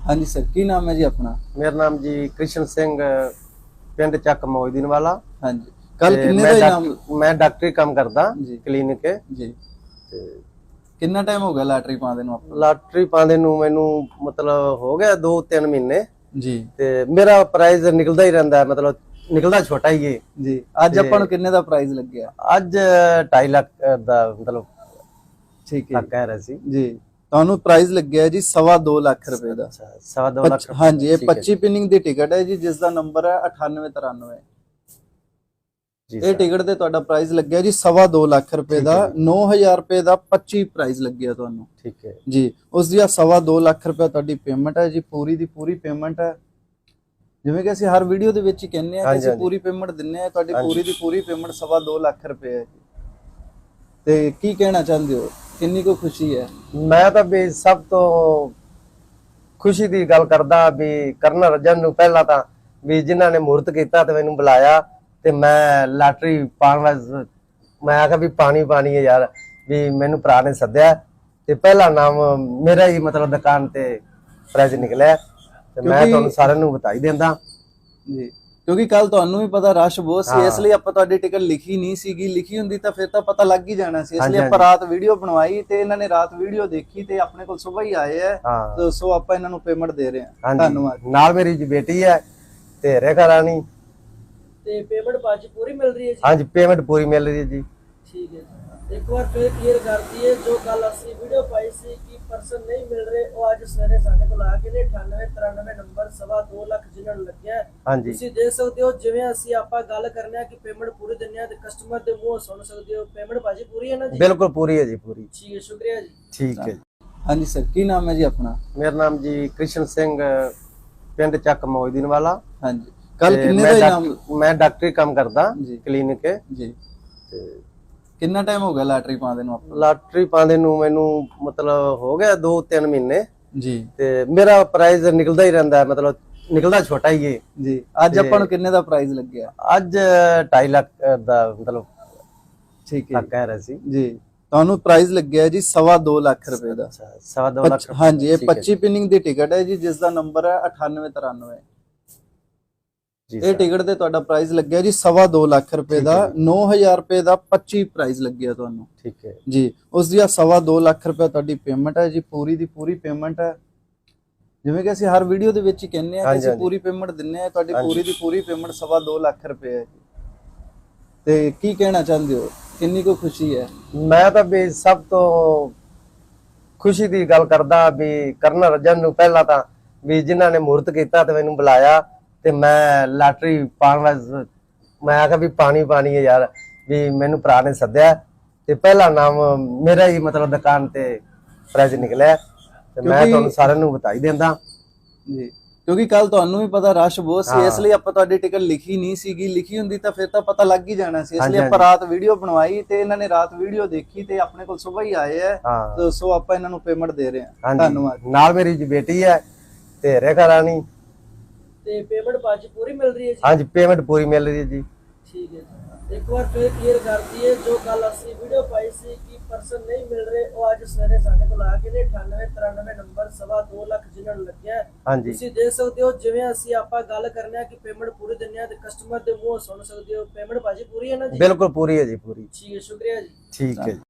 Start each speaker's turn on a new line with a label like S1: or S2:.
S1: हाँ जी सर, की नाम है जी अपना?
S2: मेरा नाम जी कृष्ण सिंह, पिंड ਚੱਕ ਮੌਜਦੀਨ ਵਾਲਾ।
S1: हाँ जी, कल किन्ने दा इनाम?
S2: मैं डॉक्टरी काम करदा
S1: जी
S2: क्लिनिक
S1: जी।
S2: ਤੇ
S1: किन्ना टाइम हो गया लॉटरी पाਉਂਦੇ ਨੂੰ ਆਪਾਂ?
S2: ਲਾਟਰੀ ਪਾਉਂਦੇ ਨੂੰ ਮੈਨੂੰ ਮਤਲਬ ਹੋ ਗਿਆ 2-3 ਮਹੀਨੇ
S1: ਜੀ
S2: ਤੇ ਮੇਰਾ ਪ੍ਰਾਈਜ਼ ਨਿਕਲਦਾ ਹੀ ਰਹਿੰਦਾ, ਮਤਲਬ ਨਿਕਲਦਾ ਛੋਟਾ ਹੀ ਹੈ
S1: ਜੀ। ਅੱਜ ਆਪਾਂ ਨੂੰ ਕਿੰਨੇ ਦਾ ਪ੍ਰਾਈਜ਼ ਲੱਗਿਆ?
S2: ਅੱਜ 2.5 ਲੱਖ ਦਾ ਮਤਲਬ
S1: ਠੀਕ ਹੈ
S2: ਕਹਿ ਰਿਹਾ ਸੀ
S1: ਜੀ। ਤੁਹਾਨੂੰ ਪ੍ਰਾਈਜ਼ ਲੱਗਿਆ ਜੀ 2.5 ਲੱਖ ਰੁਪਏ ਦਾ।
S2: 2.5 ਲੱਖ।
S1: हाँ जी, ये 25 ਪਿਨਿੰਗ ਦੀ ਟਿਕਟ ਹੈ ਜੀ, ਜਿਸ ਦਾ ਨੰਬਰ ਹੈ 9893। ਇਹ ਟਿਕਟ ਤੇ ਤੁਹਾਡਾ ਪ੍ਰਾਈਜ਼ ਲੱਗਿਆ ਜੀ 2.5 ਲੱਖ ਰੁਪਏ ਦਾ। 9000 ਰੁਪਏ ਦਾ 25 ਪ੍ਰਾਈਜ਼ ਲੱਗਿਆ ਤੁਹਾਨੂੰ।
S2: ਠੀਕ ਹੈ
S1: ਜੀ। ਉਸ ਦੀ 2.5 ਲੱਖ ਰੁਪਏ ਤੁਹਾਡੀ ਪੇਮੈਂਟ ਹੈ ਜੀ, ਪੂਰੀ ਦੀ ਪੂਰੀ ਪੇਮੈਂਟ ਹੈ। ਜਿਵੇਂ ਕਿ ਅਸੀਂ ਹਰ ਵੀਡੀਓ ਦੇ ਵਿੱਚ ਹੀ ਕਹਿੰਦੇ ਆ ਕਿ ਅਸੀਂ ਪੂਰੀ ਪੇਮੈਂਟ ਦਿੰਨੇ ਆ, ਤੁਹਾਡੀ ਪੂਰੀ ਦੀ ਪੂਰੀ ਪੇਮੈਂਟ 2.5 ਲੱਖ ਰੁਪਏ ਹੈ ਜੀ। ਤੇ ਕੀ ਕਹਿਣਾ ਚਾਹੁੰਦੇ ਹੋ, ਕਿੰਨੀ ਕੋ ਖੁਸ਼ੀ ਹੈ?
S2: ਮੈਂ ਤਾਂ ਵੀ ਸਭ ਤੋਂ ਖੁਸ਼ੀ ਦੀ ਗੱਲ ਕਰਦਾ ਵੀ ਕਰਨ ਰਜਨ ਨੂੰ ਪਹਿਲਾਂ ਤਾਂ ਵੀ ਜਿਨ੍ਹਾਂ ਨੇ ਮੂਰਤ ਕੀਤਾ ਤੇ ਮੈਨੂੰ ਬੁਲਾਇਆ ਤੇ ਮੈਂ ਲਾਟਰੀ ਪਾਉਣ ਵਾਸਤੇ ਮੈਂ ਆਖਿਆ ਵੀ ਪਾਣੀ ਹੈ ਯਾਰ, ਵੀ ਮੈਨੂੰ ਭਰਾ ਨੇ ਸੱਦਿਆ ਤੇ ਪਹਿਲਾ ਨਾਮ ਮੇਰਾ ਹੀ ਮਤਲਬ ਦੁਕਾਨ ਤੇ ਪ੍ਰਾਈਜ਼ ਨਿਕਲਿਆ ਤੇ ਮੈਂ ਤੁਹਾਨੂੰ ਸਾਰਿਆਂ ਨੂੰ ਬਤਾਈ ਦਿੰਦਾ
S1: ਜੀ। ਕਿਉਂਕਿ ਕੱਲ ਤੁਹਾਨੂੰ ਵੀ ਪਤਾ ਰਸ਼ ਬਹੁਤ ਸੀ, ਇਸ ਲਈ ਆਪਾਂ ਤੁਹਾਡੀ ਟਿਕਟ ਲਿਖੀ ਨਹੀਂ ਸੀਗੀ। ਲਿਖੀ ਹੁੰਦੀ ਤਾਂ ਫਿਰ ਤਾਂ ਪਤਾ ਲੱਗ ਹੀ ਜਾਣਾ ਸੀ, ਇਸ ਲਈ ਆਪਾਂ ਰਾਤ ਵੀਡੀਓ ਬਣਵਾਈ ਤੇ ਇਹਨਾਂ ਨੇ ਰਾਤ ਵੀਡੀਓ ਦੇਖੀ ਤੇ ਆਪਣੇ ਕੋਲ ਸਵੇਰ ਹੀ ਆਏ ਆ, ਸੋ ਆਪਾਂ ਇਹਨਾਂ ਨੂੰ ਪੇਮੈਂਟ ਦੇ ਰਹੇ ਹਾਂ। ਧੰਨਵਾਦ।
S2: ਨਾਲ ਮੇਰੀ ਜੀ ਬੇਟੀ ਹੈ ਤੇ ਰੇਖਾ ਰਾਣੀ।
S3: ਤੇ ਪੇਮੈਂਟ ਬਾਅਦ ਪੂਰੀ ਮਿਲ ਰਹੀ ਹੈ ਜੀ?
S2: ਹਾਂਜੀ, ਪੇਮੈਂਟ ਪੂਰੀ ਮਿਲ ਰਹੀ ਹੈ ਜੀ।
S3: ਠੀਕ ਹੈ ਜੀ। ਇੱਕ ਵਾਰ ਫਿਰ ਕਲੀਅਰ ਕਰ ਦਈਏ, ਜੋ ਕੱਲ ਅਸੀਂ ਵੀਡੀਓ ਪਾਈ ਸੀ ਕਿ ਪਰਸਨ ਨਹੀਂ ਮਿਲ ਰਹੇ, ਉਹ ਅੱਜ ਸਵੇਰੇ ਸਾਡੇ ਕੋਲ ਆ ਗਏ ਨੇ। 9893 ਨੰਬਰ 2.5 ਲੱਖ ਜਿਨ੍ਹਾਂ ਨੂੰ ਲੱਗਿਆ। ਤੁਸੀਂ ਦੇਖ ਸਕਦੇ ਹੋ, ਜਿਵੇਂ ਅਸੀਂ ਆਪਾਂ ਗੱਲ ਕਰਨੇ ਆ ਕਿ ਪੇਮੈਂਟ ਪੂਰੀ ਦਿੰਨੇ ਆ ਤੇ ਕਸਟਮਰ ਦੇ ਮੂੰਹੋਂ ਸੁਣ ਸਕਦੇ ਹੋ ਪੇਮੈਂਟ ਬਾਜੀ ਪੂਰੀ ਹੈ ਨਾ ਜੀ?
S2: ਬਿਲਕੁਲ ਪੂਰੀ ਹੈ ਜੀ, ਪੂਰੀ।
S3: ਠੀਕ ਹੈ, ਸ਼ੁਕਰੀਆ ਜੀ।
S2: ਠੀਕ ਹੈ।
S1: हाँ जी सर, की नाम है जी अपना?
S2: मेरा नाम जी कृष्ण सिंह, पिंड ਚੱਕ ਮੌਜਦੀਨ ਵਾਲਾ।
S1: हाँ जी, कल किन्ने दा इनाम?
S2: मैं डॉक्टरी काम करदा क्लिनिक
S1: जी। किन्ना टाइम हो गया लॉटरी पाਉਂਦੇ ਨੂੰ ਆਪਾਂ?
S2: ਲਾਟਰੀ ਪਾਉਂਦੇ ਨੂੰ ਮੈਨੂੰ ਮਤਲਬ ਹੋ ਗਿਆ 2-3 ਮਹੀਨੇ
S1: ਜੀ
S2: ਤੇ ਮੇਰਾ ਪ੍ਰਾਈਜ਼ ਨਿਕਲਦਾ ਹੀ ਰਹਿੰਦਾ, ਮਤਲਬ ਨਿਕਲਦਾ ਛੋਟਾ ਹੀ ਹੈ
S1: ਜੀ। ਅੱਜ ਆਪਾਂ ਨੂੰ ਕਿੰਨੇ ਦਾ ਪ੍ਰਾਈਜ਼ ਲੱਗਿਆ?
S2: ਅੱਜ 2.5 ਲੱਖ ਦਾ ਮਤਲਬ
S1: ਠੀਕ ਹੈ
S2: ਕਹਿ ਰਿਹਾ ਸੀ
S1: ਜੀ। ਤੁਹਾਨੂੰ ਪ੍ਰਾਈਜ਼ ਲੱਗਿਆ ਜੀ 2.5 ਲੱਖ ਰੁਪਏ ਦਾ।
S2: 2.5 ਲੱਖ।
S1: हाँ जी, ये 25 ਪਿਨਿੰਗ ਦੀ ਟਿਕਟ ਹੈ ਜੀ, ਜਿਸ ਦਾ ਨੰਬਰ ਹੈ 9893। ਇਹ ਟਿਕਟ ਤੇ ਤੁਹਾਡਾ ਪ੍ਰਾਈਜ਼ ਲੱਗਿਆ ਜੀ 2.5 ਲੱਖ ਰੁਪਏ ਦਾ। 9000 ਰੁਪਏ ਦਾ 25 ਪ੍ਰਾਈਜ਼ ਲੱਗਿਆ ਤੁਹਾਨੂੰ।
S2: ਠੀਕ ਹੈ
S1: ਜੀ। ਉਸ ਦੀ 2.5 ਲੱਖ ਰੁਪਏ ਤੁਹਾਡੀ ਪੇਮੈਂਟ ਹੈ ਜੀ, ਪੂਰੀ ਦੀ ਪੂਰੀ ਪੇਮੈਂਟ ਹੈ। ਜਿਵੇਂ ਕਿ ਅਸੀਂ ਹਰ ਵੀਡੀਓ ਦੇ ਵਿੱਚ ਹੀ ਕਹਿੰਦੇ ਆ ਕਿ ਅਸੀਂ ਪੂਰੀ ਪੇਮੈਂਟ ਦਿੰਨੇ ਆ, ਤੁਹਾਡੀ ਪੂਰੀ ਦੀ ਪੂਰੀ ਪੇਮੈਂਟ 2.5 ਲੱਖ ਰੁਪਏ ਹੈ ਜੀ। ਤੇ ਕੀ ਕਹਿਣਾ ਚਾਹੁੰਦੇ ਹੋ, ਕਿੰਨੀ ਕੋ ਖੁਸ਼ੀ ਹੈ?
S2: ਮੈਂ ਤਾਂ ਵੀ ਸਭ ਤੋਂ ਖੁਸ਼ੀ ਦੀ ਗੱਲ ਕਰਦਾ ਵੀ ਕਰਨ ਰਜਨ ਨੂੰ ਪਹਿਲਾਂ ਤਾਂ ਵੀ ਜਿਨ੍ਹਾਂ ਨੇ ਮੂਰਤ ਕੀਤਾ ਤੇ ਮੈਨੂੰ ਬੁਲਾਇਆ ਤੇ ਮੈਂ ਲਾਟਰੀ ਪਾਉਣ ਵਾਸਤੇ ਮੈਂ ਆਖਿਆ ਵੀ ਪਾਣੀ ਹੈ ਯਾਰ, ਵੀ ਮੈਨੂੰ ਭਰਾ ਨੇ ਸੱਦਿਆ ਤੇ ਪਹਿਲਾ ਨਾਮ ਮੇਰਾ ਹੀ ਮਤਲਬ ਦੁਕਾਨ ਤੇ ਪ੍ਰਾਈਜ਼ ਨਿਕਲਿਆ ਤੇ ਮੈਂ ਤੁਹਾਨੂੰ ਸਾਰਿਆਂ ਨੂੰ ਬਤਾਈ ਦਿੰਦਾ
S1: ਜੀ। ਕਿਉਂਕਿ ਕੱਲ ਤੁਹਾਨੂੰ ਵੀ ਪਤਾ ਰਸ਼ ਬਹੁਤ ਸੀ, ਇਸ ਲਈ ਆਪਾਂ ਤੁਹਾਡੀ ਟਿਕਟ ਲਿਖੀ ਨਹੀਂ ਸੀਗੀ। ਲਿਖੀ ਹੁੰਦੀ ਤਾਂ ਫਿਰ ਤਾਂ ਪਤਾ ਲੱਗ ਹੀ ਜਾਣਾ ਸੀ, ਇਸ ਲਈ ਆਪਾਂ ਰਾਤ ਵੀਡੀਓ ਬਣਵਾਈ ਤੇ ਇਹਨਾਂ ਨੇ ਰਾਤ ਵੀਡੀਓ ਦੇਖੀ ਤੇ ਆਪਣੇ ਕੋਲ ਸਵੇਰ ਹੀ ਆਏ ਆ, ਸੋ ਆਪਾਂ ਇਹਨਾਂ ਨੂੰ ਪੇਮੈਂਟ ਦੇ ਰਹੇ ਹਾਂ। ਧੰਨਵਾਦ।
S2: ਨਾਲ ਮੇਰੀ ਜੀ ਬੇਟੀ ਹੈ ਤੇ ਰੇਖਾ ਰਾਣੀ।
S3: ਤੇ ਪੇਮੈਂਟ ਬਾਅਦ ਪੂਰੀ ਮਿਲ ਰਹੀ ਹੈ ਜੀ?
S2: ਹਾਂਜੀ, ਪੇਮੈਂਟ ਪੂਰੀ ਮਿਲ ਰਹੀ ਹੈ ਜੀ।
S3: ਠੀਕ ਹੈ ਜੀ। ਇੱਕ ਵਾਰ ਫਿਰ ਕਲੀਅਰ ਕਰ ਦਈਏ, ਜੋ ਕੱਲ ਅਸੀਂ ਵੀਡੀਓ ਪਾਈ ਸੀ ਕਿ ਪਰਸਨ ਨਹੀਂ ਮਿਲ ਰਹੇ, ਉਹ ਅੱਜ ਸਵੇਰੇ ਸਾਡੇ ਕੋਲ ਆ ਗਏ ਨੇ। 9893 ਨੰਬਰ 2.5 ਲੱਖ ਜਿਨ੍ਹਾਂ ਨੂੰ ਲੱਗਿਆ। ਤੁਸੀਂ ਦੇਖ ਸਕਦੇ ਹੋ, ਜਿਵੇਂ ਅਸੀਂ ਆਪਾਂ ਗੱਲ ਕਰਨੇ ਆ ਕਿ ਪੇਮੈਂਟ ਪੂਰੀ ਦਿੰਨੇ ਆ ਤੇ ਕਸਟਮਰ ਦੇ ਮੂੰਹੋਂ ਸੁਣ ਸਕਦੇ ਹੋ ਪੇਮੈਂਟ ਬਾਜੀ ਪੂਰੀ ਹੈ ਨਾ ਜੀ?
S2: ਬਿਲਕੁਲ ਪੂਰੀ ਹੈ ਜੀ, ਪੂਰੀ।
S3: ਠੀਕ ਹੈ, ਸ਼ੁਕਰੀਆ ਜੀ।
S2: ਠੀਕ ਹੈ।